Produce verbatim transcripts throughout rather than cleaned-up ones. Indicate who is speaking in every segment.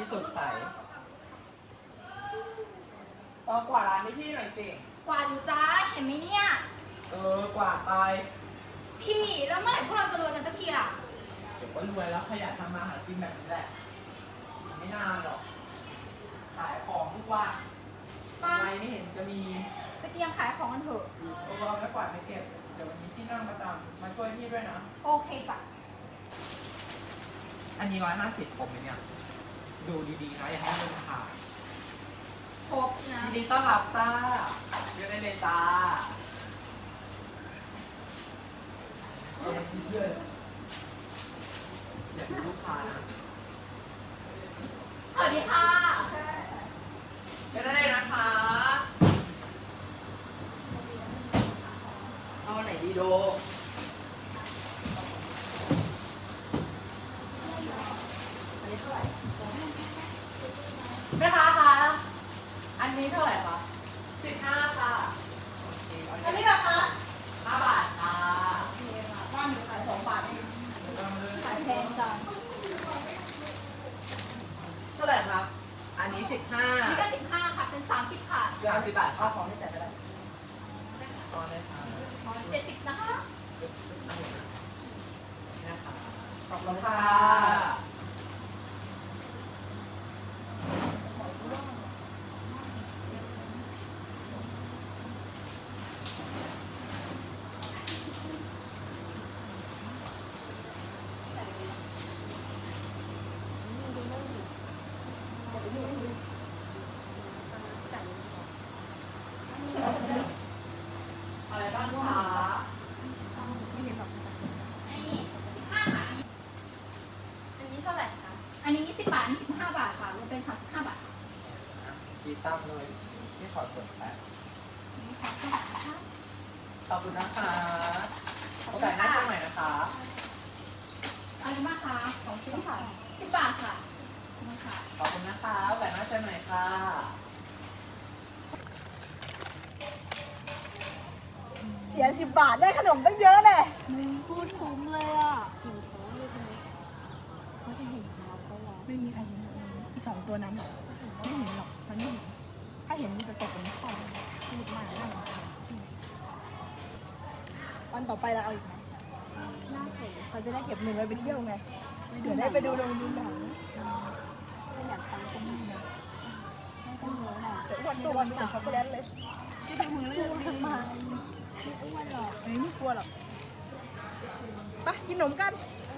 Speaker 1: ที่สดใส
Speaker 2: ลองกวาดร้านให้พี่หน่อยสิ
Speaker 3: กวาดอยู่จ้าเห็นไหมเนี่ย
Speaker 2: เออกวาดไป
Speaker 3: พี่แล้วเมื่อไหร่พวกเราจะรวยกันสักทีล่ะ
Speaker 1: เดี๋ยวก็รวยแล้วขยันทำมาหากินแบบนี้แหละไม่นานหรอกขายของทุกวันทำไมไม่เห็นจะมี
Speaker 3: ไปเตรียมขายของกันเถอะ
Speaker 1: เออเอาไว้กวาดไม่เก็บเดี๋ยววันนี้พี่นั่งประจำมาช่วยพี่ด้วยนะ
Speaker 3: โอเคจ้ะ
Speaker 1: อันนี้ร้อยห้าสิบผมเนี่ยดูดีๆนะอย่าให้มันขาด
Speaker 3: ครบนะ
Speaker 1: ยินดีต้อนรับจ้าเรียกได้เลยจ้าเออเพื่อนอยากดูลูกค้านะ
Speaker 3: สวัสดีค่ะ
Speaker 1: เรียกได้เลยนะคะเอาไหนดีโดอันนี้เท่าไหร่แม่ค้าคะอันนี้เท่าไหร่คะสิบห้าค่ะ
Speaker 2: อันนี้เหรอคะ
Speaker 1: ห้าบาทค่ะ
Speaker 2: ว่าหนูขายสองบาทเอง
Speaker 3: ขายแพงจัง
Speaker 1: เท่าไหร่ครับอันนี้สิบห้า
Speaker 3: นี่ก็สิบห้าค่ะเป็นสามสิบค่ะ
Speaker 1: สามสิบบาทค่าของที่จ่ายไปได้ตอนได้ค่ะ
Speaker 3: เจ็ดสิบนะคะ
Speaker 1: นะคะขอบคุณค่ะอะไรบ้างคะ
Speaker 3: ไม่เห็นหรอกอันนี้สิบห้าค่ะอันนี้เท่าไหร่คะอันนี้สิบบาทอันนี้สิบห้าบาทค่ะรวมเป็นสามสิบห้าบาท
Speaker 1: กีตั้มเลยที่ขอส่วนแป๊บ
Speaker 3: นี่ค่ะสิบบาทนะคะ
Speaker 1: ขอบคุณนะคะโอกาสหน้าเจอใหม่นะคะ
Speaker 3: อันนี้มาค่ะสองชิ้นค่ะสิบบาทค่ะมาค่ะ
Speaker 1: ขอบคุณนะคะโอกาสหน้าเจอใหม่ค่ะ
Speaker 2: เสียสิบบาทได้ขนมตั้งเยอะเลย
Speaker 3: มึงพูดคุ้มเลยอ่ะหิวท้องเลยทีนี้เขาจะเห็นเท้าเขาหรอ
Speaker 2: ไม่มีใครเห็นอีสองตัวนั้นหรอกไม่เห็นหรอกมันไม่เห็นถ้าเห็นมันจะตกเป็นข้อพูดมากน่ารำคาญวันต่อไปเราเอาอีกไหม
Speaker 3: น่าสน
Speaker 2: เราจะได้เก็บเงินไว้ไปเที่ยวไงเดี๋ยวได้ไปดูโรงดูหนัง
Speaker 3: ไม่อยากไปก็ไม่นะไม่ต้องเยอะหน่อย
Speaker 2: แต่วันตัววันแต่ช็อกโกแลตเลยที่เป็นมือเรื่อง
Speaker 3: ทำไมไม่อ้วนหรอก
Speaker 2: ไม่ไม่กลัวหรอกไปกินขนมกัน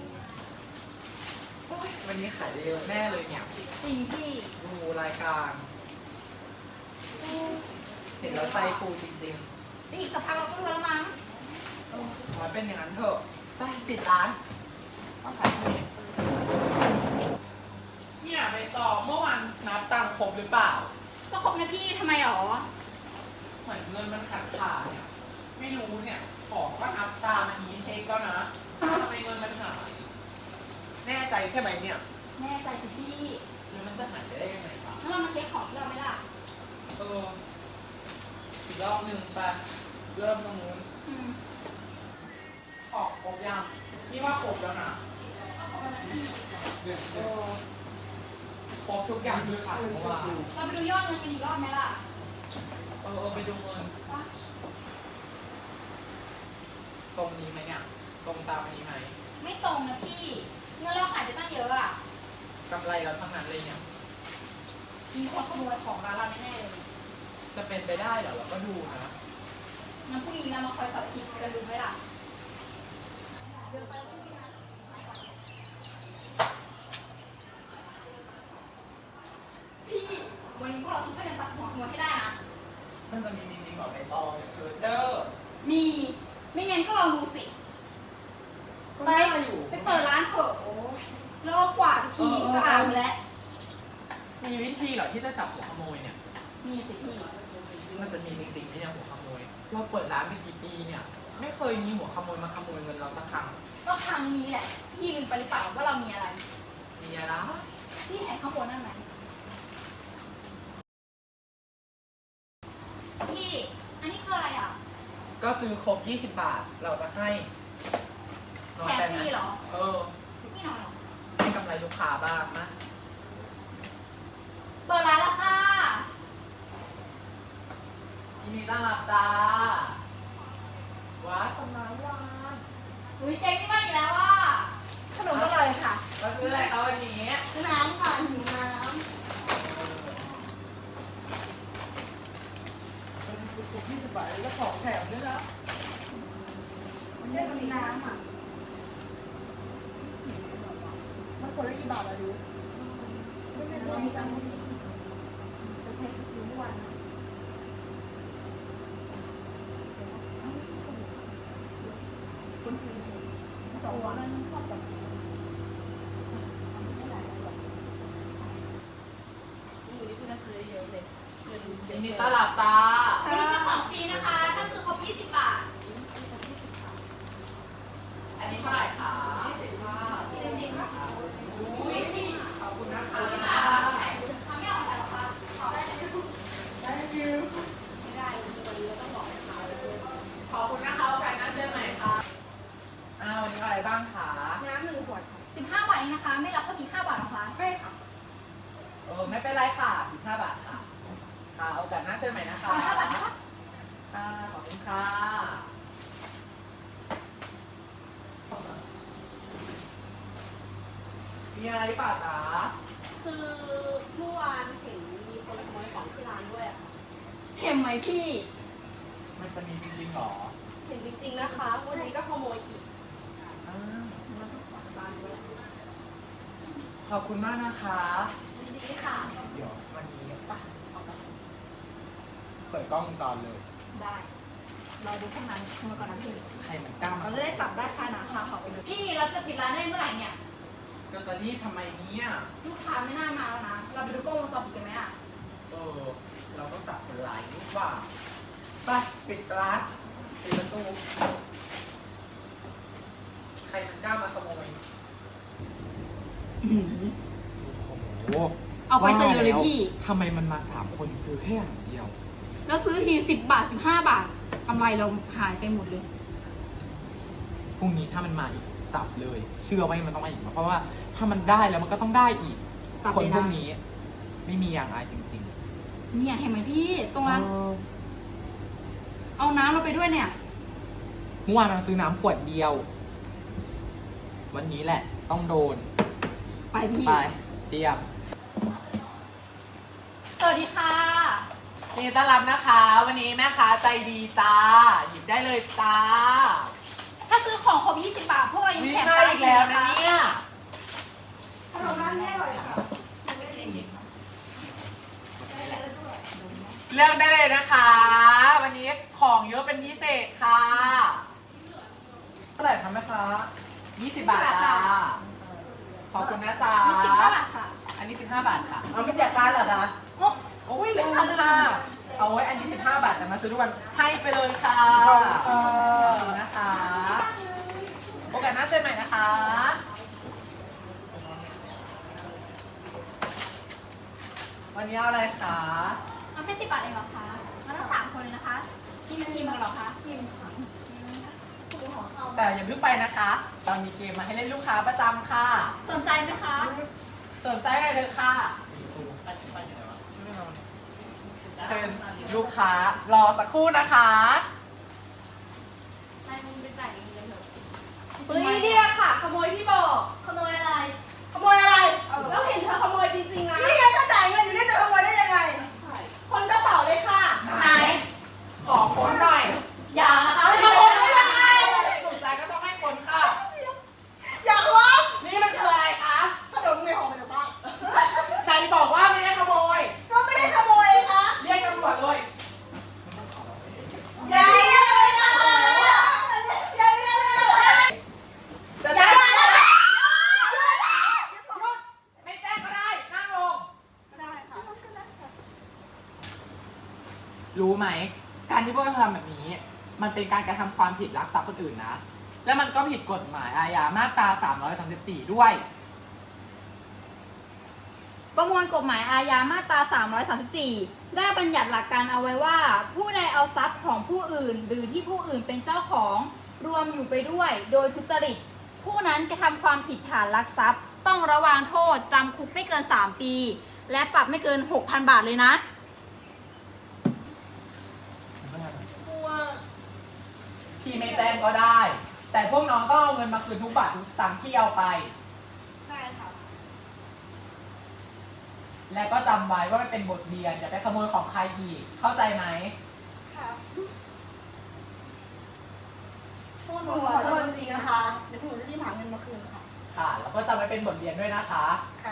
Speaker 1: วันนี้ขายได้เยอะแน่เลยเนี่ย
Speaker 3: จริงพี่
Speaker 1: ดูรายการเห็นแล้วใจฟูจริง
Speaker 3: ๆอีกสักพักเราก็รู้แล้วมั้ง
Speaker 1: ขอเป็นอย่างนั้นเถอะไปปิดร้านต้องขายเพลงเนี่ยไปต่อเมื่อวันนับตังครบหรือเปล่า
Speaker 3: ก็ครบนะพี่ทำไมหรอ
Speaker 1: เหมือนเงินมันขาดขาดเนี่ยไม่รู้เนี่ยของก็นับตามอันนี้เช็คแล้วนะทำไมเงินมันหายแน่ใจใช่ไหมเนี่ย
Speaker 3: แน่ใจสิพี่
Speaker 1: หรือมันจะหายไปได้ยังไงครับ
Speaker 3: ถ้าเรามาเช็คของที่เราไม่ล่ะ
Speaker 1: เอออีกรอบหนึ่งไปเริ่มตรงนู้นออกครบยังนี่ว่าครบแล้วนะเออครบทุกอย่างคือขาดเพราะว่า
Speaker 3: เราไปดูยอดเงินกันอีกรอบไหมล่ะ
Speaker 1: เออไปดูเงินตรงนี้ไหมเนี่ยตรงตามอันนี้ไหม
Speaker 3: ไม่ตรงนะพี่เงินเราหายไปตั้งเยอะอะ
Speaker 1: กำไรเราทั้งนั้นเลยเนี่ย
Speaker 3: มีคนขโมยของร้านเราแน่ๆเลย
Speaker 1: จะเป็นไปได้เหรอเราก็ดูนะ
Speaker 3: งั้นพรุ่งนี้เรามาคอยตัดผิดกันดูไหมล่ะพี่วันนี้พวกเราต้องช่วยกันจับหัวขโมยให้ได้นะ
Speaker 1: มันจะมีจริงๆบอกไปต่อเนี่ยคือเจอ
Speaker 3: มีไม่งั้นก็ลองดูสิไปไปเปิดร้านเถอะแล้วกว่าจะทีสะอาดแล้ว
Speaker 1: มีวิธีเหรอที่จะจับหัวขโมยเนี่ย
Speaker 3: มีสิพี่
Speaker 1: มันจะมีจริงๆไหมเนี่ยหัวขโมยเราเปิดร้านมากี่ปีเนี่ยไม่เคยมีหัวขโมยมาขโมยเงินเราสักครั้ง
Speaker 3: ก็ครั้งนี้แหละพี่ลืมไปหรือเปล่าว่าเรามีอะไร
Speaker 1: มีอะไร
Speaker 3: พี่แอบข้างบนนั่นไหมพี่อันนี้คืออะไรอ่ะ
Speaker 1: ก็ซื้อครบยี่สิบบาทเราจะให้
Speaker 3: แถมฟรีเหรอ
Speaker 1: เออ
Speaker 3: พี่น้อยหรอ
Speaker 1: ให้กำไรลูกค้าบ้างนะ
Speaker 3: เปิดร้านแล้วค่ะ
Speaker 1: ยินดีต้อนรับจ้าว้าคนน้ำวาน
Speaker 3: อุ้ยเจ๊งนี่มาอีกแล้วอ่ะ
Speaker 2: ขนมอร่อยค่ะ
Speaker 1: มาซื้ออะไรคะวันนี้
Speaker 2: น้ำค่ะหิวน้
Speaker 1: เป็นสุกยี่สิบบาทแล้วของแถมด้วยนะ
Speaker 2: ำไม่มีน้ำอ่ะมันคนละกี่บาทอะดูไม่ไม่รู้มีตังค์จะใช้สกิลทุกวันสองวันนั้นชอบแบบ
Speaker 1: ยินดีต้อนรับจ้า
Speaker 3: วันนี้เป็นของฟรีนะคะ ถ้าซื้อครบยี่สิบบาท
Speaker 1: อันนี้เท่าไหร่คะยี่สิบห้า
Speaker 3: พี่เล่นดีค่ะ
Speaker 1: อุ้ยขอบคุณนะคะ
Speaker 3: ทำไม่ออกแล้วค่ะขอได้เลย
Speaker 1: thank you
Speaker 3: ไม่ได้วันนี้ต้องบอกนะคะ
Speaker 1: ขอบคุณนะคะโอกาสหน้าเชิญใหม่ค่ะอ้าววันนี้อะไรบ้างคะ
Speaker 2: น้ำหนึ่งขวดค่ะ
Speaker 3: สิบห้าบาทเองนะคะ ไม่รับก็มีห้าบาทนะคะ
Speaker 2: ไม่ค่ะ
Speaker 1: เออไม่เป็นไรค่ะสิบห้าบาทค่ะค่ะโอกาสหน้าเชิญใหม่นะคะ
Speaker 3: ขอห้าบาทนะคะ
Speaker 1: ค่ะขอบคุณค่ะมีอะไรหรือเปล่าจ๊ะ
Speaker 4: คือเมื่อวานเห็นมีคนขโมยของที่ร้านด้วยอะค่ะ
Speaker 3: เห็นไหมพี่
Speaker 1: มันจะมีจริงๆหรอ
Speaker 4: เห็นจริงๆนะคะ วันนี้ก็ขโมยอีก
Speaker 1: อ้าว
Speaker 4: ร้านด้วย
Speaker 1: ขอบคุณมากนะคะ
Speaker 4: ยินดีค่ะ
Speaker 1: เดี๋ยววันนี้ป่ะเปิดกล้องวงจรเลย
Speaker 3: ได้ รอดูพวกนั้นขโมยก่อนนะพี่
Speaker 1: ใครมันกล้ามา
Speaker 3: เราจะได้จับได้ค่าหนาค่าเขาไปเลยพี่เราจะปิดร้านได้เมื่อไหร่เนี่ย
Speaker 1: ก็ตอนนี้ทำไมเนี่ย
Speaker 3: ลูกค้าไม่น่ามาแล้วนะ เราไปดูกล้องวงจรปิดกันไหมอ่ะ
Speaker 1: เออ เราต้องจับคนร้ายหรือเปล่าไปปิดร้านปิดประตูใครมันกล้ามาขโมย โอ้โห
Speaker 3: เอาไปเสยเลยพี่
Speaker 1: ทำไมมันมาสามคนซื้อแค่อย่างเดียว
Speaker 3: แล้วซื้อทีสิบบาทสิบห้าบาทกำไรเราหายไปหมดเลย
Speaker 1: พรุ่งนี้ถ้ามันมาอีกจับเลย เชื่อว่ามันต้องมาอีกเพราะว่าถ้ามันได้แล้วมันก็ต้องได้อีก
Speaker 3: จับ
Speaker 1: คน
Speaker 3: เลยนะ
Speaker 1: พวกนี้ ไม่มีอย่างอายจริง
Speaker 3: เนี่ยเห็นไหมพี่ ตรง
Speaker 1: ๆ
Speaker 3: นั้น
Speaker 1: เออ
Speaker 3: เอาน้ำเราไปด้วยเนี่ย
Speaker 1: เมื่อวานมันซื้อน้ำขวดเดียว วันนี้แหละ ต้องโดน
Speaker 3: ไปพี่
Speaker 1: ไปเตรียม
Speaker 3: สวัสดีค่ะ
Speaker 1: ยินดีต้อนรับนะคะ วันนี้แม่ค้าใจดีจ้า หยิบได้เลยจ้า
Speaker 3: ถ้าซื้อของครบยี่สิบบาท พวกเรายัง
Speaker 1: นี่
Speaker 3: แถม
Speaker 1: มาอีกแล้วนะเนี่ย
Speaker 2: ขนมร้านนี้อร่อยค่ะ
Speaker 1: เลือกได้เลยนะคะ วันนี้ของเยอะเป็นพิเศษค่ะเท่าไหร่คะแม่ค้ายี่สิบบาทจ้า ขอบคุณนะจ๊ะ
Speaker 3: มีสิบห้าบาทค่ะ
Speaker 1: อันนี้สิบห้าบาทค่ะ
Speaker 2: เอาไม่แจกการเหรอคะ
Speaker 3: โอ้
Speaker 1: โอ้ยเลยค่ะค่ะเอาไว้อันนี้สิบห้าบาทแต่มาซื้อทุกวันให้ไปเลยค่ะขอบคุณนะคะ โอกาสหน้าเชิญใหม่นะคะ วันนี้เอาอะไรคะ
Speaker 3: เอาแค่สิบบาทเองเหรอคะมาตั้งสามคนเลยนะคะกินกี่โมงเหรอคะ
Speaker 2: กินค่ะ
Speaker 1: แต่อย่าเพิ่งไปนะคะเรามีเกมมาให้เล่นลูกค้าประจำค่ะ
Speaker 3: สนใจไหมคะ
Speaker 1: สนใจอะไรเลยค่ะเชิญลูกค้ารอสักครู่นะคะ
Speaker 3: นายมึงไปจ่ายเงินเลยเถอะ
Speaker 4: เฮ้ยนี่แหละค่ะ ขโมยที่บอก
Speaker 3: ขโมยอะไร
Speaker 2: ขโมยอะไร
Speaker 4: แล้วเห็นเธอขโมยจริงๆนะ
Speaker 2: นี่ไงก็จ่ายเงินอยู่นี่จะขโมยได้ยังไง
Speaker 4: คนกระเป๋าเลยค่ะ
Speaker 3: ไหน
Speaker 1: ขอคนหน่อย
Speaker 3: อย่านะคะ
Speaker 2: ขโมยได้ยังไง
Speaker 1: สนใจก็ต้องให้คนค่ะ
Speaker 2: อยากร้อง
Speaker 1: นี่มันคืออะไรคะ
Speaker 2: ขนมในห่อมาจากบ้าน
Speaker 1: ไหนบอกว่าไม่ได้ขโมย
Speaker 2: ก็ไม่ได้ขโมยค่ะ
Speaker 1: เรียกตำรวจเลย
Speaker 2: อย่าเรียกเลยนะอย่าเรียกเลยนะ
Speaker 1: จะได้หยุดไม่แจ้งก็ได้ นั่งลง
Speaker 2: ได้ค่ะ
Speaker 1: รู้ไหม การที่พวกเราทำแบบนี้ มันเป็นการกระทำความผิดลักทรัพย์คนอื่นนะ แล้วมันก็ผิดกฎหมายอาญามาตราสามร้อยสามสิบสี่ด้วย
Speaker 3: ประมวลกฎหมายอาญามาตราสามร้อยสามสิบสี่ได้บัญญัติหลักการเอาไว้ว่า ผู้ใดเอาทรัพย์ของผู้อื่น หรือที่ผู้อื่นเป็นเจ้าของรวมอยู่ไปด้วย โดยทุจริต ผู้นั้นกระทำความผิดฐานลักทรัพย์ ต้องระวางโทษจำคุกไม่เกินสามปีและปรับไม่เกิน หกพัน บาทเลยนะ
Speaker 4: กลัว
Speaker 1: พี่ไม่แจ้งก็ได้ แต่พวกน้องต้องเอาเงินมาคืนทุกบาททุกสตางค์ที่เอาไป
Speaker 2: ใช่ค่ะ
Speaker 1: และก็จำไว้ว่ามันเป็นบทเรียนอย่าไปขโมยของใครอีก เข้าใจไหม
Speaker 2: ค่ะ
Speaker 4: พวกห
Speaker 2: ห
Speaker 4: นู
Speaker 2: นู
Speaker 4: ข
Speaker 2: ข
Speaker 4: อ
Speaker 2: อ
Speaker 4: โท
Speaker 2: โท
Speaker 4: ษ
Speaker 2: ษ
Speaker 4: จ
Speaker 2: จ
Speaker 4: ริ
Speaker 2: ริ
Speaker 4: ง
Speaker 2: ง
Speaker 4: ๆ
Speaker 2: ๆ
Speaker 4: นะ
Speaker 2: นะคะ คะ เดี๋ยวหนูจะรีบหาเงินมาคืนค่ะ
Speaker 1: ค่ะ แล้วก็จำไว้เป็นบทเรียนด้วยนะคะ
Speaker 2: ค่ะ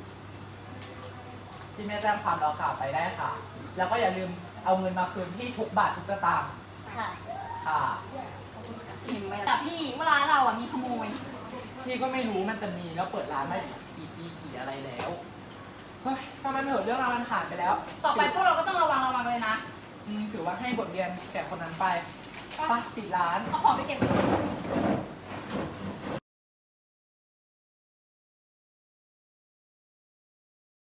Speaker 1: ที่แม่แจ้งความเราค่ะไปได้ค่ะ แล้วก็อย่าลืมเอาเงินมาคืนที่ทุกบาททุกสตางค์
Speaker 2: ค่ะ
Speaker 1: ค่ะ
Speaker 3: แต่พี่เวลาเราอ่ะมีขโมย
Speaker 1: พี่ก็ไม่รู้มันจะมีแล้วเปิดร้านมากี่ปีกี่อะไรแล้ว เฮ้ยช่างมันเถอะเรื่องราวมันผ่านไปแล้ว
Speaker 3: ต่อไปพวกเราก็ต้องระวังระวังเลยนะ
Speaker 1: อืมถือว่าให้บทเรียนแก่คนนั้นไปไปปิดร้าน
Speaker 3: เอาของไปเก็บ